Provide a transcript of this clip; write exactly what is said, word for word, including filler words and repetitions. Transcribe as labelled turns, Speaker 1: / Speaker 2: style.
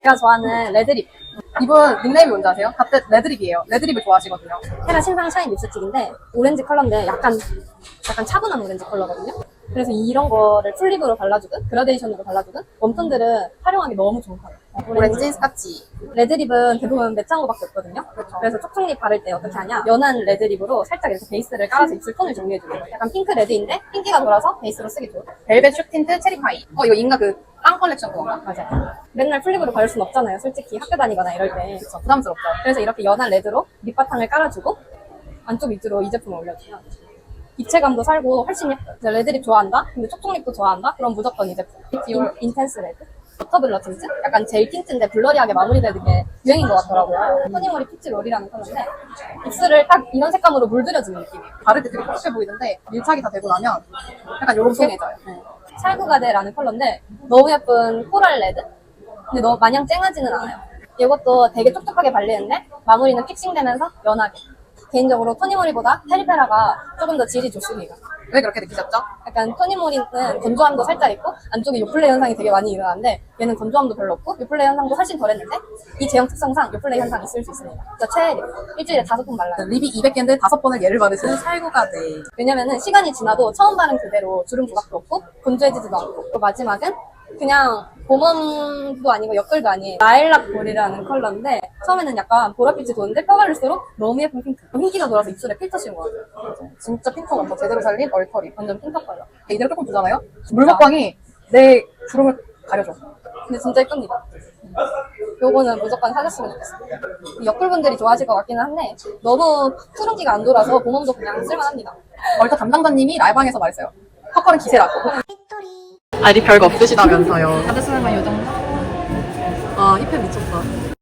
Speaker 1: 제가 좋아하는 레드립.
Speaker 2: 이분 닉네임이 뭔지 아세요? 갑자기 레드립이에요. 레드립을 좋아하시거든요.
Speaker 1: 테라 신상 샤인 립스틱인데 오렌지 컬러인데 약간 약간 차분한 오렌지 컬러거든요. 그래서 이런 거를 풀립으로 발라주든 그라데이션으로 발라주든 웜톤들은 활용하기 너무 좋은 컬러.
Speaker 2: 오렌지, 스카치.
Speaker 1: 레드립은 대부분 맷장구밖에 없거든요.
Speaker 2: 그렇죠.
Speaker 1: 그래서 촉촉립 바를 때 어떻게 하냐? 연한 레드립으로 살짝 이렇게 베이스를 깔아서 입술 톤을 정리해주는 거예요. 약간 핑크 레드인데 핑기가 돌아서 베이스로 쓰기 좋은.
Speaker 2: 벨벳 슈 틴트 체리파이. 어, 이거 인가 그 빵 컬렉션 그건가?
Speaker 1: 맞아요. 맨날 풀립으로 바를 순 없잖아요. 솔직히 학교 다니거나 이럴 때.
Speaker 2: 그쵸, 부담스럽죠.
Speaker 1: 그래서 이렇게 연한 레드로 립바탕을 깔아주고 안쪽 밑으로 이 제품을 올려주면 입체감도 살고 훨씬 예뻐요. 이제 레드립 좋아한다? 근데 촉촉립도 좋아한다? 그럼 무조건 이 제품. 인, 인텐스 레드. 워터블러 틴트? 약간 젤 틴트인데 블러리하게 마무리되는 게 유행인 것 같더라고요. 토니모리 피치 롤이라는 컬러인데 입술을 딱 이런 색감으로 물들여주는 느낌이에요.
Speaker 2: 바를 때 되게 촉촉해 보이는데 밀착이 다 되고 나면 약간 요렇게 해져요.
Speaker 1: 네. 찰구가데라는 컬러인데 너무 예쁜 코랄 레드? 근데 너무 마냥 쨍하지는 않아요. 이것도 되게 촉촉하게 발리는데 마무리는 픽싱되면서 연하게. 개인적으로 토니모리보다 테리페라가 조금 더 질이 좋습니다.
Speaker 2: 왜 그렇게 느끼셨죠?
Speaker 1: 약간 토니모리는 건조함도 살짝 있고 안쪽에 요플레 현상이 되게 많이 일어나는데 얘는 건조함도 별로 없고 요플레 현상도 훨씬 덜했는데 이 제형 특성상 요플레 현상이 있을 수 있습니다. 그래서 최애 립. 일주일에 다섯 번 발라요.
Speaker 2: 립이 이백 개인데 다섯 번을 예를 받으시는 살구가 돼.
Speaker 1: 왜냐면은 시간이 지나도 처음 바른 그대로 주름 부각도 없고 건조해지지도 않고 그리고 마지막은 그냥 봄웜도 아니고 옆글도 아닌 라일락 볼이라는 컬러인데 처음에는 약간 보랏빛이 도는데 펴바를수록 너무 예쁜 핑크. 흰기가 돌아서 입술에 필터 씌운 거 같아요.
Speaker 2: 진짜 핑크 먼저 제대로 살린 얼터립.
Speaker 1: 완전 핑크 컬러.
Speaker 2: 이대로 조금 두잖아요? 물먹광이 내 주름을 가려줘.
Speaker 1: 근데 진짜 예쁩니다. 요거는 무조건 사셨으면 좋겠어요. 옆글분들이 좋아하실 것 같기는 한데 너무 푸른기가 안 돌아서 봄웜도 그냥 쓸만합니다.
Speaker 2: 얼터 담당자님이 라이방에서 말했어요. 팝컬은 기세라고. 아니 별거 없으시다면서요.
Speaker 1: 다들 쓰는 건 요 정도?
Speaker 2: 아 힙합 미쳤다.